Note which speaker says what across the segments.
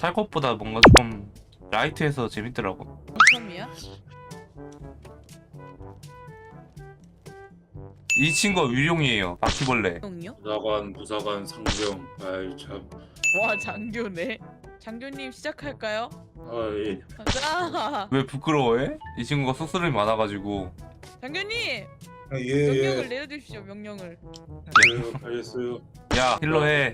Speaker 1: 탈것보다 뭔가 좀 라이트해서 재밌더라고.
Speaker 2: 처음이야?
Speaker 1: 이 친구가 위룡이에요. 바퀴벌레.
Speaker 2: 형요?
Speaker 3: 부사관, 부사관, 상병. 아이 참.
Speaker 2: 와 장교네. 장교님 시작할까요?
Speaker 3: 아 예.
Speaker 2: 가자.
Speaker 1: 왜 부끄러워해? 이 친구가 쑥스름이 많아가지고.
Speaker 2: 장교님
Speaker 3: 아,
Speaker 2: 명령을 내려주십시오. 명령을.
Speaker 3: 알겠어요.
Speaker 1: 야 힐러 해.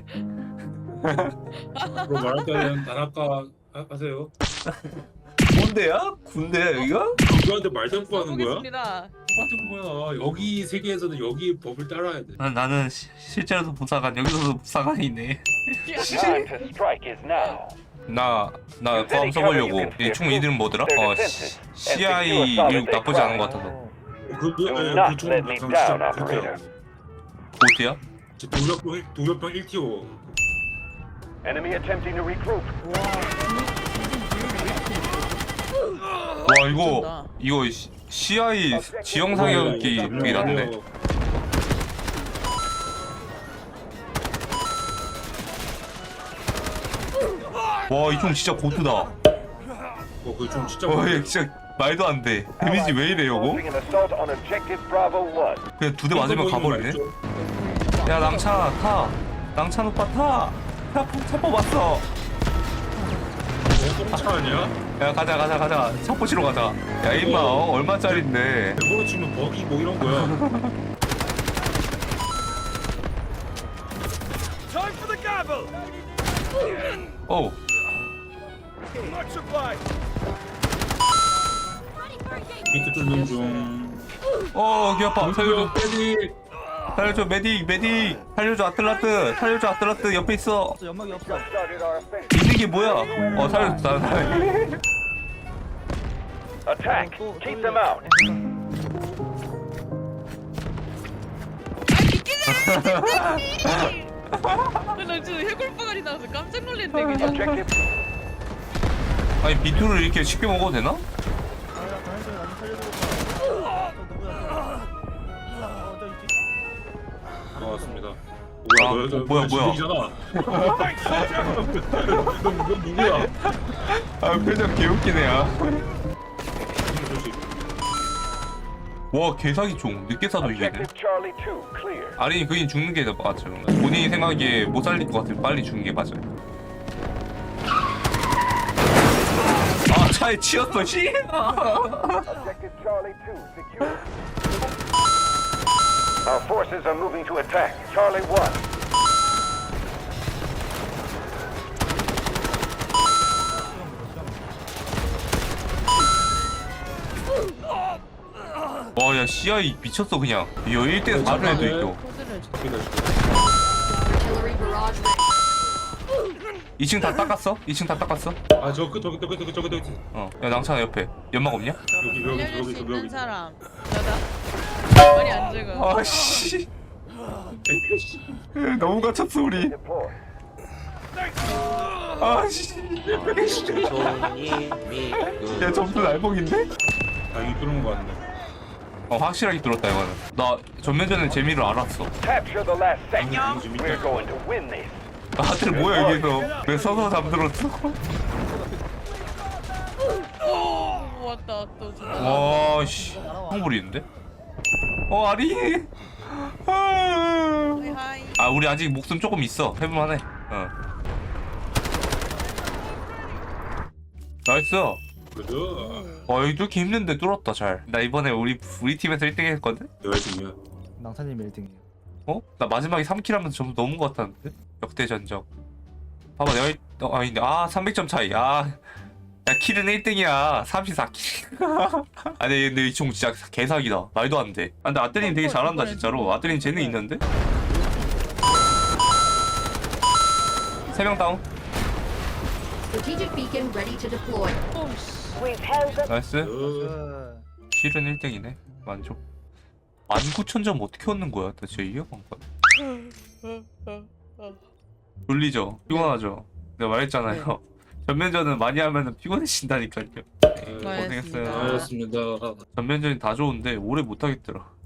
Speaker 3: 그럼 말할 때는 단아까 하세요.
Speaker 1: 뭔데야? 군대야 여기가?
Speaker 3: 누구한테 말 듣고 하는 거야?
Speaker 2: 보겠습니다.
Speaker 3: 똑같은 거야. 여기 세계에서는 여기 법을 따라야 돼.
Speaker 1: 나는 실제로도 부사관, 여기서도 부사관이네.
Speaker 4: Time to strike is now.
Speaker 1: 나 고함 써보려고. 이 총 이름 뭐더라? CI 이거 나쁘지 않은 것 같아서.
Speaker 4: Do not let me down, operator.
Speaker 1: 보트야?
Speaker 3: 도협병 1티오.
Speaker 4: Enemy attempting to regroup.
Speaker 1: 와 이거 CI 지형 사격이 되게 낫네. 와 이 총 진짜 고트다.
Speaker 3: 그좀 진짜.
Speaker 1: 얘 진짜 말도 안 돼. 데미지 왜 이래 요거?
Speaker 4: Launching an assault on objective Bravo 1.
Speaker 1: 그냥 두 대 맞으면 가버리네. 야 낭차 타. 낭차 오빠 타. 차 뽑았어.
Speaker 3: 차 아니야?
Speaker 1: 야 가자. 차 뽑으러 가자. 야 임마 얼마짜린데?
Speaker 3: 이거로 치면 버기 뭐 이런 거야.
Speaker 1: 어.
Speaker 3: 밑에 뚫는 중.
Speaker 1: 귀 아파. 살려줘.
Speaker 3: 빼지.
Speaker 1: 살려줘 메딕. 살려줘 아틀라스. 옆에 있어.
Speaker 5: 연막이 없어.
Speaker 4: Started our offensive.
Speaker 1: 있는 게 뭐야? 살려줬어.
Speaker 4: Attack. Keep them out.
Speaker 2: 나 지금 해골바가리 나와서 깜짝 놀랐네 그냥.
Speaker 4: Objective.
Speaker 1: 아니 비투를 이렇게 쉽게 먹어도 되나?
Speaker 5: 아나 강현정이 나좀 살려주고. 저 있지.
Speaker 3: 나왔습니다.
Speaker 1: 뭐야.
Speaker 3: 넌 누구야?
Speaker 1: 아 표정 개웃기네야. 와 개사기 총 늦게 사도 이기네.
Speaker 4: Objective Charlie 2 clear.
Speaker 1: 아린이 그긴 죽는 게 맞죠. 본인이 생각하기에 못 살릴 것 같으면 빨리 죽는 게 맞아요. 아 차에 치였어 씨.
Speaker 4: Objective Charlie 2 secure. Our forces are moving to attack Charlie 1.
Speaker 1: 와야 CI 미쳤어 그냥. 이거 1대 4를 해도 있어.
Speaker 2: 코드를 줘.
Speaker 1: 2층 다 닦았어? 2층 다 닦았어?
Speaker 3: 아 저기.
Speaker 1: 야 낭찬아 옆에 연막 없냐?
Speaker 2: 알려줄 수 있는
Speaker 3: 여기.
Speaker 2: 사람. 나다. 말이 안 적어.
Speaker 1: 아씨. 너무 갇혔어 우리.
Speaker 4: Deploy.
Speaker 1: 아씨. 야 점수 날봉인데?
Speaker 3: 다행히 뚫은 거 같네.
Speaker 1: 확실하게 뚫었다 이거는. 나 전면전의 재미를 알았어.
Speaker 4: Capture the last sector. We're going to win this.
Speaker 1: 다들 뭐야 여기서. 왜 서서 잠들었어?
Speaker 2: 왔다 또.
Speaker 1: 와씨. 형 부리는데? 아리.
Speaker 2: 하이.
Speaker 1: 우리 아직 목숨 조금 있어. 해볼만해. 나이스.
Speaker 3: 그죠?
Speaker 1: 여기 뚫기 힘든데 뚫었다 잘. 나 이번에 우리 팀에서 1등 했거든?
Speaker 3: 내가 중이야.
Speaker 5: 낭타님 1등이에요.
Speaker 1: 나 마지막에 3킬 하면서 점수 넘은 것 같았는데? 역대 전적. 봐봐 내가 아닌데 300점 차이. 야 킬은 1등이야. 34킬. 아니 근데 이 총 진짜 개사기다. 말도 안 돼. 근데 아뜨님 되게 잘한다 진짜로. 아뜨님 재능 있는데? 3명 다운.
Speaker 6: Strategic beacon ready to deploy.
Speaker 1: 나이스. 킬은 1등이네. 만족. 19,000점 어떻게 얻는 거야? 나 진짜 이해가 안 가. 졸리죠? 피곤하죠? 내가 말했잖아요. 전면전은 많이 하면 피곤해진다니까요. 고생했어요.
Speaker 3: 알겠습니다.
Speaker 1: 전면전이 다 좋은데 오래 못하겠더라.